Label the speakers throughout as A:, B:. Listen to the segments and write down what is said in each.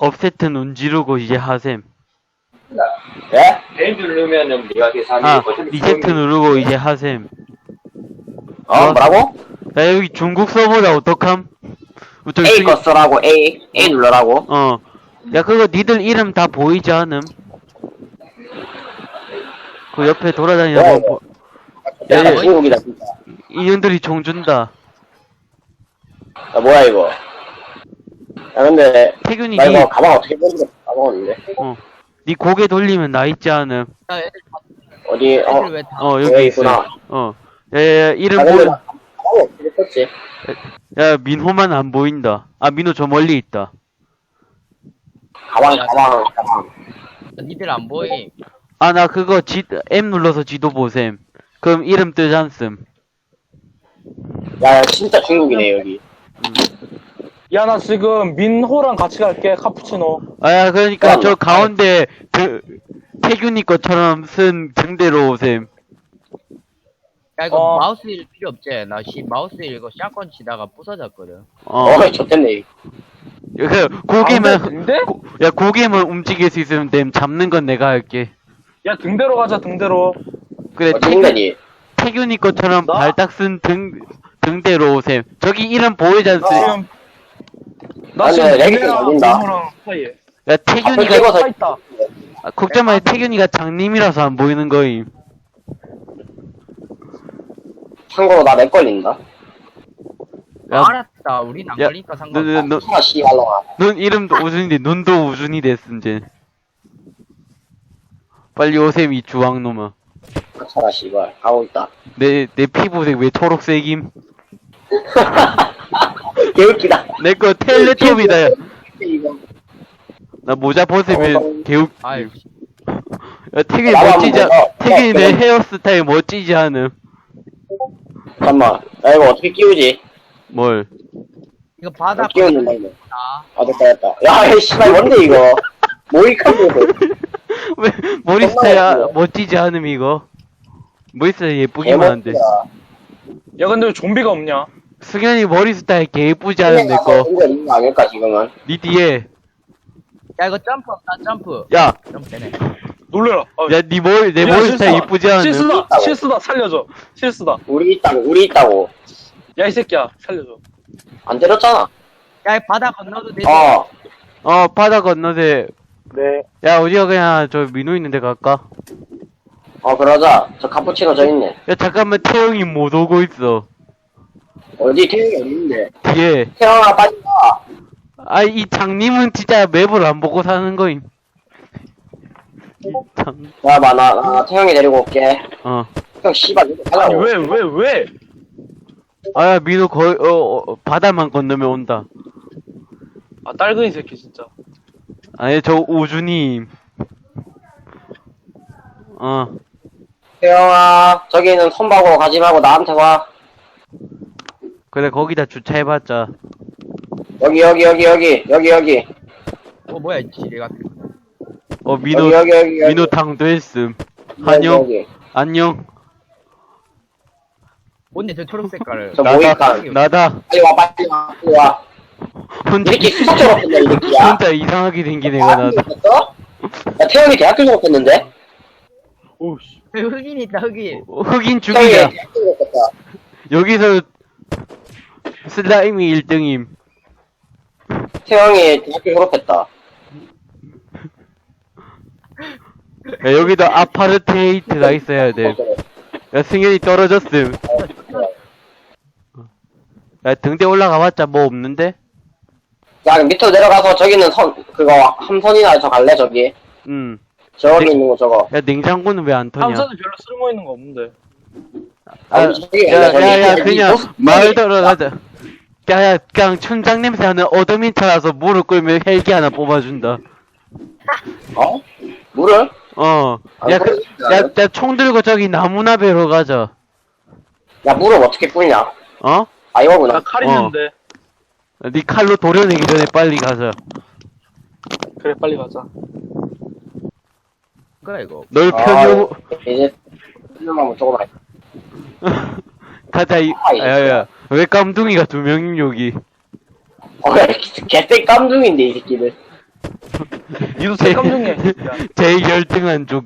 A: 업세트 눈 지르고 이제 하셈.
B: 네? 벨 누르면은 네가 계산이
A: 아, 리세트 누르고 이제 하셈.
B: 뭐라고?
A: 야, 여기 중국 서버다, 어떡함? 저기
B: A 거 쓰라고, A 눌러라고.
A: 야, 그거 니들 이름 다 보이지 않음? 그 옆에 돌아다니는
B: 뭐야,
A: 거,
B: 야,
A: 야,
B: 중국이다, 진짜.
A: 인연들이 종 준다.
B: 야, 뭐야, 이거. 야, 근데,
A: 태균이
B: 나
A: 니,
B: 이거 가방 어떻게 보는지 까먹었는데.
A: 니 고개 돌리면 나 있지 않음?
C: 야, 애들
B: 어디,
C: 왜 다.
A: 여기 있어.
B: 있구나.
A: 야, 이름
B: 아, 근데,
A: 보여.
B: 나 가방 어떻게 썼지?
A: 야, 민호만 안 보인다. 아, 민호 저 멀리 있다.
B: 가방.
C: 니들 안 보임.
A: 아, 나 그거 M 눌러서 지도 보셈. 그럼 이름 뜨지 않음.
B: 야, 진짜 중국이네, 여기.
D: 야, 나 지금 민호랑 같이 갈게, 카푸치노.
A: 아, 그러니까 저 가운데 태균이 것처럼 쓴 등대로 오셈.
C: 야, 이거
D: 어.
C: 마우스 일 필요 없지? 나 마우스 일 이거 샷건 치다가 부서졌거든.
B: 좋겠네.
A: 고개만,
D: 근데?
A: 야, 고개만 움직일 수 있으면 됨. 잡는 건 내가 할게.
D: 야, 등대로 가자, 등대로.
A: 그래,
B: 어디 인간이?
A: 태균이 것처럼
D: 나?
A: 발딱 쓴 등대로 오셈. 저기 이름 보이지 않습?
D: 나
B: 아니,
D: 지금
B: 렉이
D: 등대랑
B: 걸린다.
D: 민호랑 사이에.
A: 야, 태균이가,
D: 서 있다.
A: 걱정 마, 태균이가 장님이라서 안 보이는 거임.
B: 참고로 나 렉 걸린다.
A: 야,
C: 알았다. 우린 안
A: 야,
C: 걸리니까 상관없다.
B: 아, 씨발로마.
A: 눈 이름도 우준인데 눈도 우준이 됐음 제. 빨리 오셈 이 주황놈아.
B: 차라, 씨발. 가고 있다.
A: 내 피부색 왜 초록색임?
B: 개웃기다.
A: 내 거 텔레톱이다. 야.
B: 이거.
A: 나 모자 벗으면 개웃.
C: 아이,
A: 야, 태균이
B: 나만
A: 멋지지 않?
B: 보고.
A: 태균이 내 헤어스타일 멋지지 않음?
B: 잠깐만. 야, 이거 어떻게 끼우지?
A: 뭘?
C: 이거 바닥
B: 끼우는 거, 이거.
C: 다.
B: 아, 됐다. 야, 이 씨발, 뭔데, 이거? 모이칸 보고.
A: 왜 머리 스타일 멋지지 않음 이거? 머리 스타일 예쁘기만 한데.
D: 야, 근데 왜 좀비가 없냐?
A: 승현이 머리 스타일 개 예쁘지 않음 내 거.
B: 이거 있는 거 아닐까, 지금은?
A: 니 뒤에.
C: 야, 이거 점프 없다, 점프.
A: 야,
C: 점프 되네.
D: 놀래라.
A: 야, 니 머리 내
D: 야,
A: 머리
D: 실수다.
A: 스타일 예쁘지 않음?
D: 실수다, 살려줘. 실수다.
B: 우리 있다고.
D: 야, 이 새끼야, 살려줘.
B: 안 때렸잖아.
C: 야, 이 바닥 건너도 되지?
A: 바다 건너세.
D: 네.
A: 야, 어디가 그냥 저 민호 있는 데 갈까?
B: 그러자. 저 카푸치노 저 있네.
A: 야, 잠깐만, 태영이 못 오고 있어.
B: 어디, 태형이 어디 있는데?
A: 뒤에.
B: 태형아, 빨리 와.
A: 아, 이 장님은 진짜 맵을 안 보고 사는 거임. 참,
B: 야, 나 태형이 데리고 올게. 형, 씨발, 이거
D: 아니,
B: 가라고.
D: 왜?
A: 아, 민호 거의, 바다만 건너면 온다.
D: 아, 딸근이 새끼, 진짜.
A: 아니, 저 우준님.
B: 태형아, 저기는 손바고 가지 말고 나한테 와.
A: 그래, 거기다 주차해봤자.
B: 여기.
C: 뭐야, 이 지뢰 같은 거.
A: 민호,
B: 여기.
A: 민호 당도했음. 안녕,
B: 여기.
A: 안녕.
C: 뭔데, 저 초록 색깔을.
B: 저 모이칸.
A: 나다.
B: 빨리 와.
A: 혼자,
B: 이렇게 수석 졸업했네, 이 새끼야.
A: 혼자 이상하게 생긴 애가 나다.
B: 야, 태형이 대학교 졸업했는데?
D: 오우씨.
C: 흑인 있다, 흑인.
A: 흑인
B: 태형이
A: 죽이자.
B: 대학교 졸업했다.
A: 여기서 슬라임이 1등임.
B: 태형이 대학교 졸업했다.
A: 야, 여기도 아파르테이트가 있어야 돼. 야, 승현이 떨어졌음. 야, 등대 올라가봤자 뭐 없는데?
B: 야, 밑으로 내려가서 저기는 그거, 함선이나 저 갈래, 저기? 저기
A: 네.
B: 있는 거 저거.
A: 야, 냉장고는 왜 안 터냐?
D: 함선은 별로 쓸모 있는 거 없는데.
A: 야, 그냥 마을 들어가자. 야, 그냥 춘장 냄새 나는 어드민터라서 물을 끌면 헬기 하나 뽑아준다.
B: 물을?
A: 야, 야, 총 들고 저기 나무나 베러 가자.
B: 야, 물을 어떻게 뿌리냐? 이거구나.
D: 나 칼 있는데.
A: 네 칼로 도려내기 전에 빨리 가자.
D: 그래, 빨리 가자.
C: 그래, 이거.
A: 널 편요,
B: 이제, 한번 조금 할
A: 가자, 야, 왜 깜둥이가 2명임, 여기?
B: 개쎄 깜둥인데, 이 새끼들.
D: 니도 색감 중에.
A: 제일 열등한 족.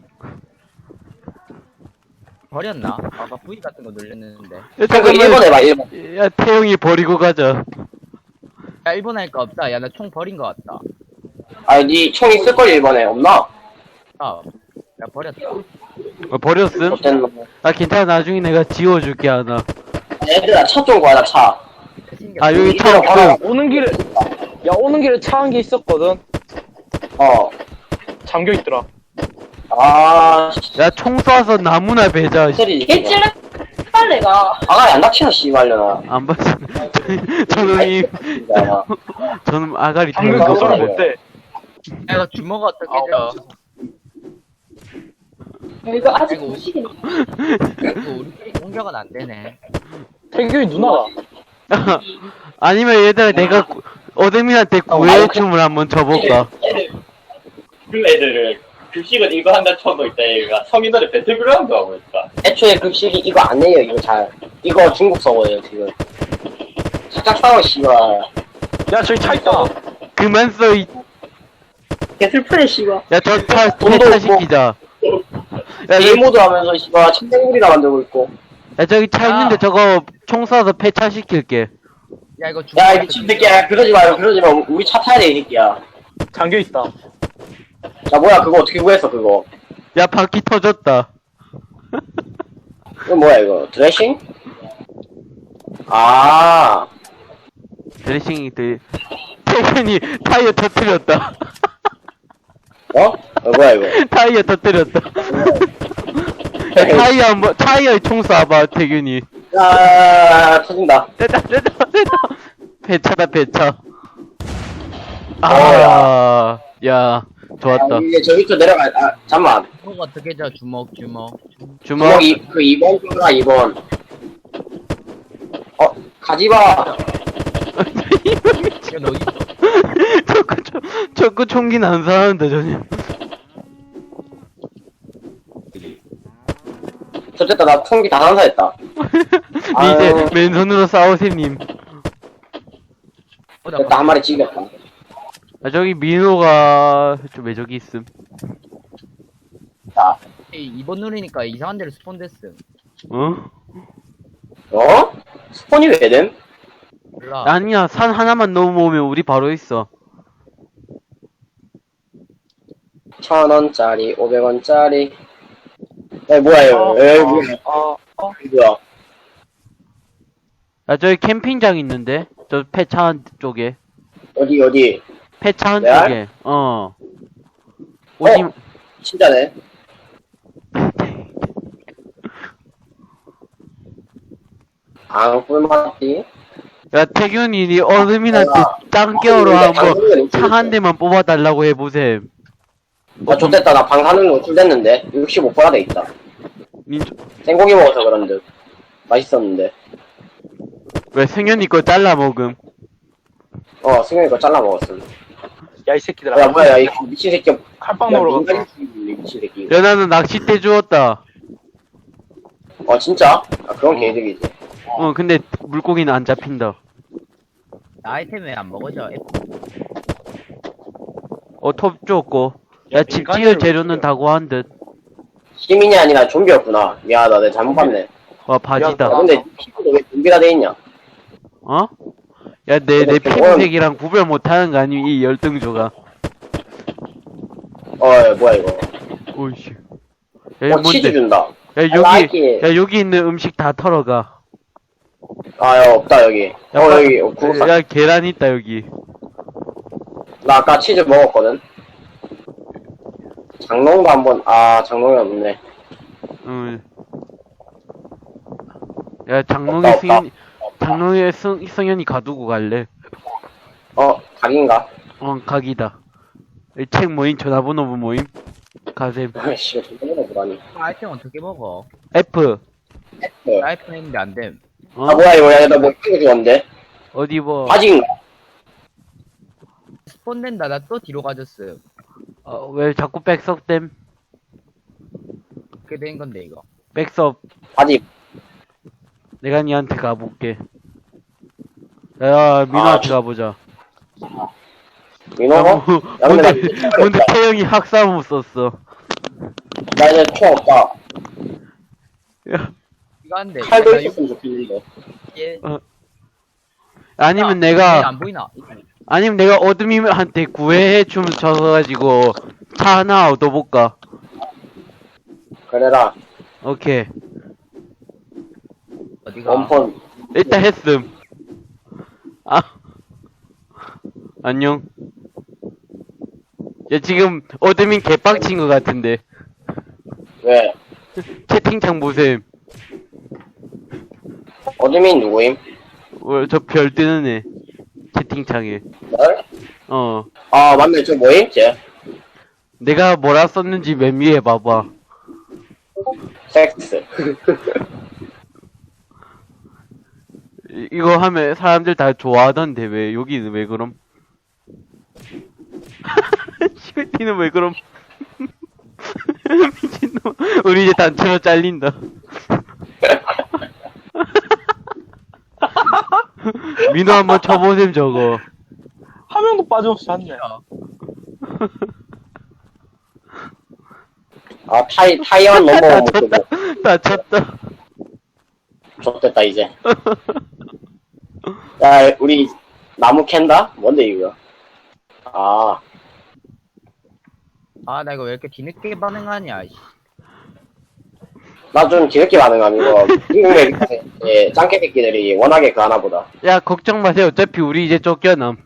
C: 버렸나? 아까 V 같은 거 눌렸는데.
A: 야,
B: 그
A: 잠깐만.
B: 1번 해봐 1번.
A: 야, 태용이 버리고 가자.
C: 야, 1번 할거 없다. 야, 나 총 버린 거 같다.
B: 아니 니총 있을걸 1번에 없나?
C: 아, 야, 버렸다.
A: 버렸음?
B: 어쨌든 뭐.
A: 아, 괜찮아. 나중에 내가 지워줄게, 하나.
B: 얘들아 차 좀 구하자 차.
A: 아, 여기 차
B: 이리로
A: 없음.
B: 가라.
D: 오는 길에, 야, 오는 길에 차 한 개 있었거든.
B: 어.
D: 잠겨 있더라.
B: 아
A: 야, 총 쏴서 나무나 베자. 씨.
B: 소리
E: 개찔레 빨래가
B: 아가리 안 닥치나 씨발려나.
A: 안 봤어. 저놈이,
B: 야,
A: 저놈 아가리
D: 잠겨
A: 들어간
D: 그
A: 거
D: 소리
A: 봐.
D: 못해.
C: 야, 이거 주먹 어떻게 줘?
E: 이거 아직
C: 아이고.
E: 무식이네.
C: 이거 우리끼리 공격은 안 되네.
D: 태균이 누나가.
A: 아니면 얘들아, 내가 어둠이한테 구애춤을 한번 쳐볼까?
F: 그 애들을 급식은 이거 한다 쳐도 있다 얘가 성인들의 배틀그라운드 하고 있다.
B: 애초에 급식이 이거 안 해요 이거 잘. 이거 중국 서버예요 지금. 살짝 싸워 씨발.
D: 야, 저기 차 있다.
A: 그만 써, 이.
E: 개슬프네 씨발.
A: 야, 저 차,
B: 돈도
A: 폐차시키자. 야,
B: 게임 모드 하면서 씨발 침대구리나 만들고 있고.
A: 야, 저기 차 있는데 저거 총 쏴서 폐차시킬게.
C: 야, 이거 주먹
B: 야 이 미친 새끼야 그러지 마요 그러지 마. 우리 차 타야 돼 이 새끼야.
D: 잠겨 있다.
B: 야 뭐야 그거 어떻게 구했어 그거.
A: 야, 바퀴 터졌다.
B: 이거 뭐야 이거 드레싱? 아
A: 드레싱이 태균이 타이어 터뜨렸다.
B: 어? 뭐야 이거.
A: 타이어 터뜨렸다. 야, 타이어에 총 쏴봐, 태균이.
B: 야 터진다.
A: 됐다. 배차다, 배차.
B: 어,
A: 아, 야, 좋았다.
B: 이게 저 밑으로 내려가. 아 잠만.
C: 주먹 어떻게 줘? 주먹.
A: 주먹.
B: 주먹 그 2번 줘라 2번. 가지마.
C: 야, 너 어딨어?
A: 저거 총기는 안 사는데, 전혀.
B: 좋겠다 나 총기 다 난사했다.
A: 니 이제 맨손으로 싸우세님.
C: 어, 나
B: 됐다 한 마리 찍었다.
A: 아, 저기 민호가 왜 저기 있음?
B: 자,
C: 2번 누르니까 이상한 데로 스폰 됐음.
A: 어?
B: 어? 스폰이 왜 됨?
C: 몰라.
A: 아니야, 산 하나만 넘어오면 우리 바로 있어.
B: 1,000원짜리 500원짜리. 에 뭐야 이거. 에 뭐야. 뭐야.
A: 아, 저기 캠핑장 있는데? 저 폐차한 쪽에.
B: 어디
A: 폐차한
B: 레알?
A: 쪽에. 오지,
B: 진짜네. 꿀맛이.
A: 야, 태균이 니 어르민한테 짱겨로 한번 차 한 대만 뽑아달라고 해보셈.
B: 아 좋됐다 나 방사능 노출됐는데 65%가 돼있다.
A: 니,
B: 생고기 먹어서 그런 듯. 맛있었는데.
A: 왜 승현이 거 잘라 먹음?
B: 승현이 거 잘라 먹었음.
D: 야, 이 새끼들아.
B: 야 뭐야 이 미친 새끼.
D: 칼빵 먹으러 갔다.
B: 미친 새끼.
A: 야, 나는 낚싯대 주웠다.
B: 진짜? 그건 개이득이지.
A: 근데 물고기는 안 잡힌다.
C: 나 아이템 왜 안 먹어져?
A: 톱 주웠고. 야, 집 지을 재료는 다 구한 듯.
B: 시민이 아니라 좀비였구나. 미안하다 내가 잘못 봤네.
A: 와, 바지다.
B: 야, 근데 피부도 왜 좀비가 돼있냐?
A: 어? 야, 내 피부색이랑 구별 못하는 거 아니, 이 열등조가.
B: 뭐야 이거.
A: 오이씨. 야, 이거
B: 치즈
A: 뭔데?
B: 준다.
A: 야,
B: I like it.
A: 여기 있는 음식 다 털어가.
B: 야, 없다, 여기. 여기, 구웠다.
A: 야, 계란 있다, 여기.
B: 나 아까 치즈 먹었거든. 장롱도 한번, 장롱이 없네.
A: 응. 야,
B: 없다.
A: 장롱에 승현이 가두고 갈래.
B: 각인가?
A: 각이다. 이 책 모임, 전화번호 모임. 가셈.
B: 씨, 전화번호 보다니.
C: 아이템 어떻게 먹어?
A: F.
C: 나 아이템 했는데 안 됨.
B: 뭐야, 이거. 야, 나뭐 찍어 주었는데?
A: 어디 뭐,
B: 바지인가?
C: 스폰 된다. 나 또 뒤로 가졌음.
A: 왜 자꾸 백섭댐?
C: 그렇게 된 건데, 이거.
A: 백섭.
B: 바지.
A: 내가 니한테 가볼게. 야, 민호한테 가보자.
B: 민호?
A: 야,
B: 야, 근데 나
A: 뭔데, 뭔데 태영이 학사모 썼어.
B: 나 이제 총 없다.
A: 야,
C: 이거 한데.
B: 칼도
C: 나
B: 있었으면 좋겠는데.
C: 예.
A: 아니면
C: 얘
A: 내가,
C: 안 보이나?
A: 아니면 내가 어드민한테 구애해 춤 쳐가지고 차 하나 얻어볼까?
B: 그래라.
C: 아.
A: 오케이.
C: 어디가?
B: 원폰.
A: 일단 했음. 아. 안녕. 야, 지금 어드민 개빡친 것 같은데.
B: 왜?
A: 채팅창 보셈.
B: 어드민 누구임?
A: 저 별 뜨는 애. 채팅창에.
B: 널?
A: 어.
B: 아, 맞네. 저 뭐임? 쟤?
A: 내가 뭐라 썼는지 맨 위에 봐봐.
B: 섹스.
A: 이거 하면 사람들 다 좋아하던데 왜 여기는 왜 그럼? 시베티는 왜 그럼? 미친놈. 우리 이제 단체로 잘린다. 민호 한번 쳐보셈 저거.
D: 한 명도 빠짐없이 잤네.
B: 아, 타이완 넘버원 못 쓰고.
A: 다 쳤다.
B: 좋됐다, 이제. 야, 우리 나무 캔다? 뭔데, 이거? 아,
C: 아, 나 이거 왜 이렇게 뒤늦게 반응하냐, 씨.
B: 나 좀 뒤늦게 반응함, 이거. 미국의 예, 짱깨 새끼들이 워낙에 그 하나 보다.
A: 야 걱정 마세요. 어차피 우리 이제 쫓겨남.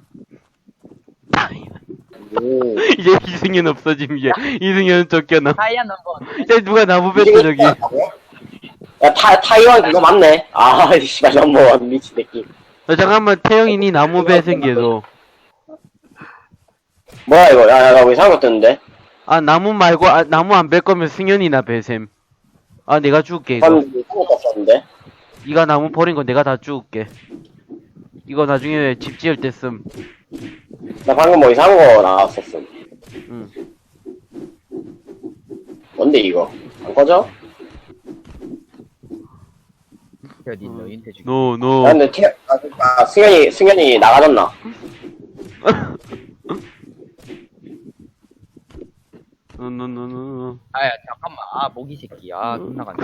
A: 이제 이승현 없어짐 이제. 이승현은 쫓겨남.
C: 타이어 넘버.
A: 야 누가 나무 뺐어 저기.
B: 야, 타이완 그거 맞네. 아, 씨발, 넘버원, 미친 새끼.
A: 잠깐만 태영이니 나무 배 생겨서.
B: 뭐야, 이거. 야, 나 왜 이상한 거 뜨는데?
A: 아 나무 말고 나무 안 뺄 거면 승현이나 배셈. 아 내가 죽을게 이거.
B: 방금 이상한 거 썼는데?
A: 이가 나무 버린 거 내가 다 죽을게. 이거 나중에 집 지을 때 씀.
B: 나 방금 뭐 이상한 거 나왔었어.
A: 응.
B: 뭔데, 이거? 안 꺼져?
C: 어디 있노, 인테 중.
A: 노
B: 야,
A: 노.
B: 근데 승현이 나가졌나?
A: 노노노노.
C: 아야, 잠깐만. 아, 모기 새끼. 아, 존나 간다.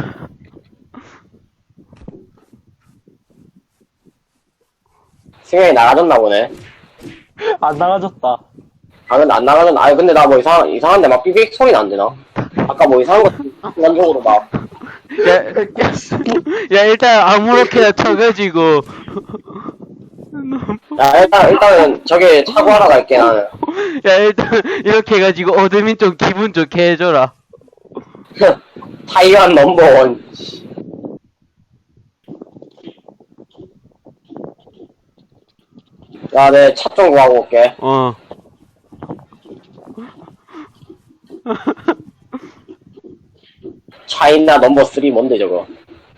B: 승현이 나가졌나 보네.
D: 안 나가졌다.
B: 아, 근데 안 나가졌나? 아니, 근데 나 뭐 이상한데 막 삐빅 소리 안 되나? 아까 뭐 이상한 거, 순간적으로 막.
A: 야 일단 아무렇게나 쳐가지고.
B: 야, 일단은 저기 차고하러 갈게, 나는.
A: 야 일단 이렇게 해가지고 어드민 좀 기분 좋게 해줘라.
B: 타이완 넘버원. 야, 내 차 좀 구하고 올게.
A: 어.
B: 차이나 넘버 3 뭔데, 저거?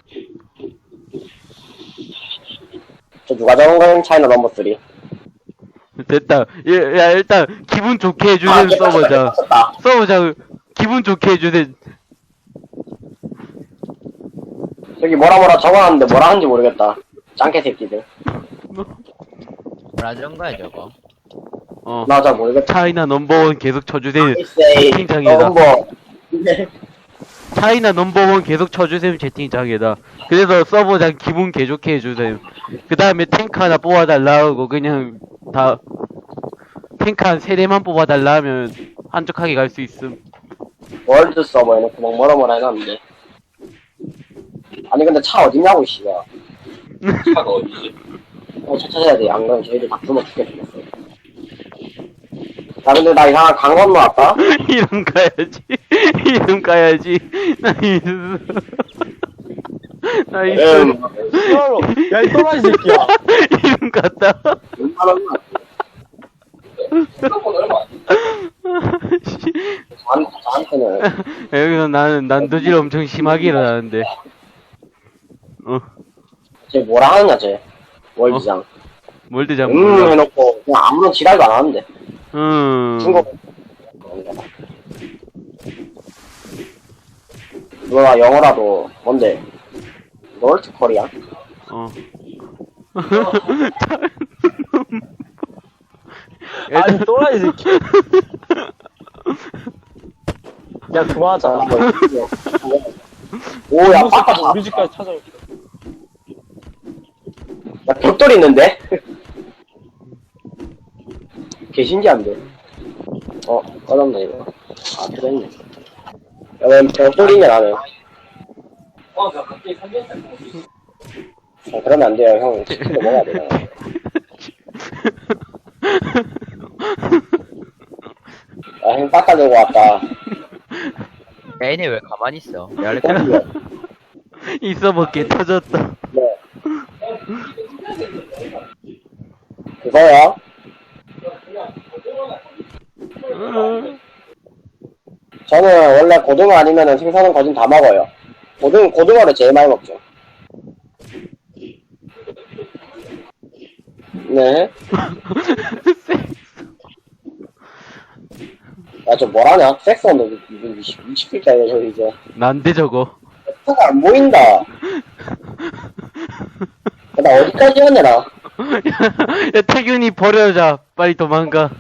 B: 저 누가 적은 거야? 차이나 넘버 3.
A: 됐다. 야 일단 기분 좋게 해주는 써보자. 써보자. 기분 좋게 해주는.
B: 저기 뭐라 적어놨는데 뭐라 하는지 모르겠다. 짱깨 새끼들.
C: 뭐라 저런 거야, 저거.
A: 어.
B: 나 잘 모르겠다.
A: 차이나 넘버원 계속 쳐주세요.
B: 아이세이
A: 채팅창에다.
B: 넘버.
A: 차이나 넘버원 계속 쳐주세요. 채팅창에다. 그래서 서버장 기분 개 좋게 해주세요. 그 다음에 탱크 하나 뽑아달라 하고 그냥 다 탱크 한 3대만 뽑아달라 하면 한적하게 갈 수 있음.
B: 월드 서버 해놓고 막 뭐라 해놨는데. 아니 근데 차 어딨냐고 씨가.
F: 차가 어디지?
B: 차 찾아야 돼. 안 그러면 저희들 다 굶어 죽겠어. 야 근데 나 이상한 강 건너왔다.
A: 이름 가야지. 이름 가야지. 나이스. 나이스.
D: 진짜로. 야, 이 또라이 새끼야.
A: 이름 갔다.
F: 생각보다 얼마 안 돼.
B: 저한테는
A: 여기서 나는 난도질 엄청 심하게 일어나는데.
B: 쟤 뭐라 하느냐 쟤. 월드장.
A: 뭘도 잘 몰라.
B: 해놓고 그냥 아무런 지랄도 안 하는데. 중국. 누가 영어라도 뭔데? 노르트 코리아?
A: 어.
D: 아니, 또라이 새끼. 야, 그만하자.
B: 오야
D: 이놈 새끼
B: 바꿔.
D: 우리 집까지 찾아올게.
B: 야 벽돌 있는데? 개신기한데? 꺼졌네 이거. 아 그랬네. 야, 왜 벽돌 있냐 나는.
F: 나 갑자기 삼겹살 먹고 싶어.
B: 그러면 안 돼요 형. 치킨도 먹어야 돼. 형 깎아들고 왔다.
C: 얘네 왜 가만히 있어? 야, 이렇게
A: 이 서버 개 터졌다.
B: 네. 그거야? 저는 원래 고등어 아니면은 생선은 거진 다 먹어요. 고등어를 제일 많이 먹죠. 네. 야, 저 뭐라냐? 섹스는 미치겠다, 이거, 이제.
A: 난데 저거.
B: 섹스가 안 보인다. 나 어디까지 왔냐, 나?
A: 야, 태균이 버려자. 빨리 도망가.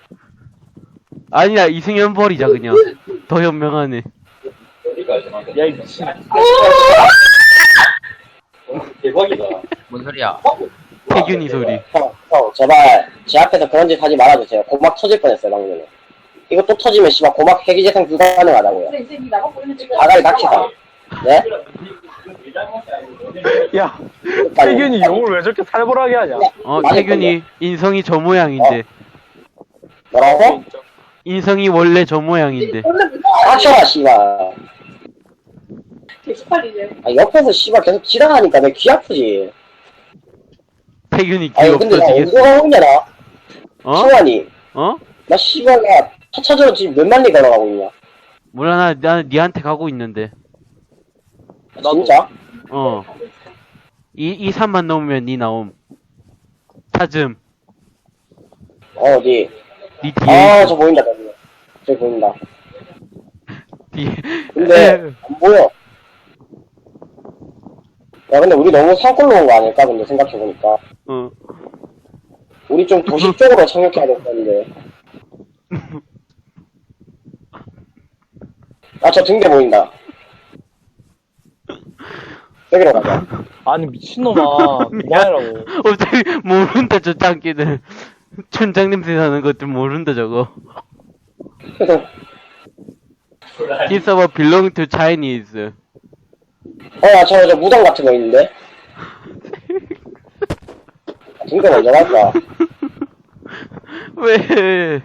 A: 아니야, 이승현 버리자, 그냥. 더 현명하네.
F: 어디까지 나?
D: 야, 이 미친.
F: 대박이다.
C: 뭔 소리야?
A: 태균이 소리.
B: 형, 제발, 제 앞에서 그런 짓 하지 말아주세요. 고막 터질 뻔했어요, 방금 전에. 이거 또 터지면, 씨발, 고막 회기재생 불가능하다고요.
E: 근데 이제 니 나가고 있는 지금.
B: 아가리 낚시다. 네?
D: 야, 태균이 욕을 왜 저렇게 살벌하게 하냐?
A: 태균이 인성이 저 모양인데.
B: 뭐라고?
A: 인성이 원래 저 모양인데.
B: 닥쳐라, 씨발.
E: 개수팔이지.
B: 아, 옆에서 씨발 계속 지랄하니까 내 귀 아프지.
A: 태균이 귀
B: 아니, 근데 나
A: 없어지겠어.
B: 어디서 가고 있냐, 나?
A: 어?
B: 승환이.
A: 어?
B: 나 씨발, 나 차차저로 지금 몇 마리 걸어가고 있냐?
A: 몰라, 나는 니한테 가고 있는데.
B: 진짜?
A: 어. 3만 넘으면 니 나옴. 찾음.
B: 어디?
A: 니 뒤에.
B: 아, 저 보인다, 저기. 저기 보인다.
A: 뒤에.
B: 근데, 안 보여. 야, 근데 우리 너무 산골로 온 거 아닐까? 근데 생각해보니까.
A: 어.
B: 우리 좀 도시 쪽으로 착륙해야 될 건데. 아, 저 등대 보인다. 저기로 가자.
D: 아니, 미친놈아. 그만해라고.
A: 어차피 모른다, 저 짱끼들. 춘장 냄새 나는 것들 모른다, 저거. This server belong to Chinese.
B: 야, 저 무덤 같은 거 있는데? 등대 먼저 갈까?
A: 왜?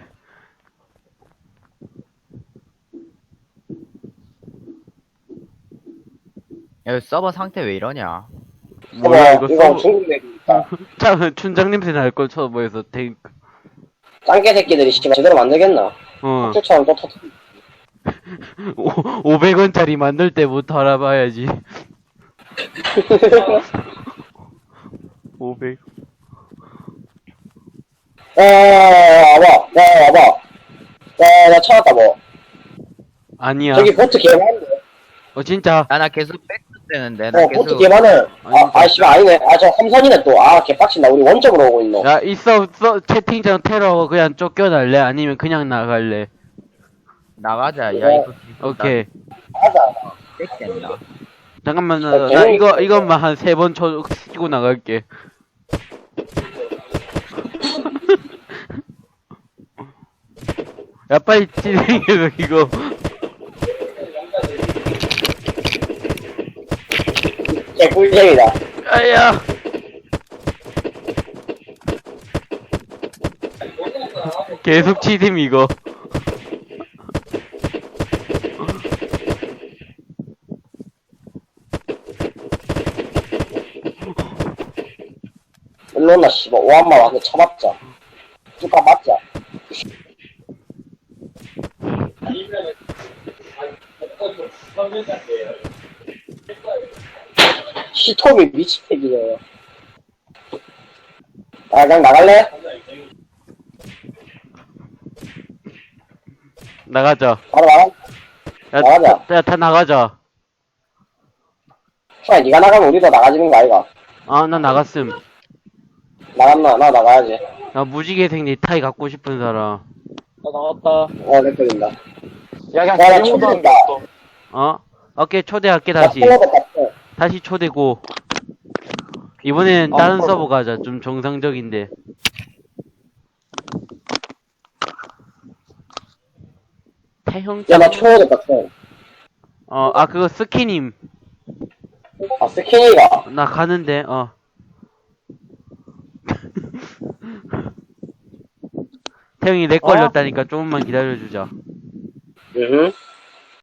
C: 야, 서버 상태 왜 이러냐?
A: 뭐야, 이거
B: 이거
A: 서버.
B: 중국 내기니까.
A: 참, 춘장 냄새 날걸, 서버에서.
B: 짱깨 새끼들이 씨발 제대로 만들겠나?
A: 어.
B: 학교처럼 또 터뜨.
A: 500원짜리 만들 때부터 알아봐야지. 500.
B: 와봐. 나 찾았다, 뭐.
A: 아니야.
B: 저기 보트 개 많은데.
A: 진짜.
C: 야, 나 계속 백스되는데, 나
B: 보트
C: 계속.
B: 개 많은.
A: 아니,
B: 씨발, 아니네. 저 험선이네, 또. 개빡친다. 우리 원점으로 오고 있노.
A: 야, 채팅창 테러 그냥 쫓겨날래? 아니면 그냥 나갈래?
C: 나가자. 야, 이거.
A: 오케이.
B: 가자.
C: 백스된다.
A: 잠깐만, 나 이것만 한 3번 치고 나갈게. 야, 빨리 진행해서 이거.
B: 꿀잼이다.
A: 아야! 계속 치셈, 이거.
B: 일로 온나, 씨발. 오한마 와서 쳐맞자. 뚜까 맞자. 시톰이 미치겠네. 그냥 나갈래?
A: 나가자.
B: 바로 나가.
A: 야,
B: 나가자.
A: 다 나가자.
B: 니가 나가면 우리도 나가지는 거 아이가?
A: 나 나갔음.
B: 나갔나? 나 나가야지.
A: 나 무지개색 넥타이 갖고 싶은 사람.
D: 나 나왔다.
B: 내 걸린다.
D: 야, 그냥
B: 야, 나
D: 개모드 하는 게
B: 초대했다.
D: 없어.
A: 어? 오케이, 초대할게,
B: 나
A: 다시.
B: 콜라도 봤어.
A: 다시 초대고. 이번엔
D: 아,
A: 다른
D: 그럼.
A: 서버 가자. 좀 정상적인데. 태형
B: 야, 나 초대 봤어.
A: 그거 스키님.
B: 아, 스키니가.
A: 나 가는데, 태형이 렉
D: 어?
A: 걸렸다니까 조금만 기다려주자.
B: 응.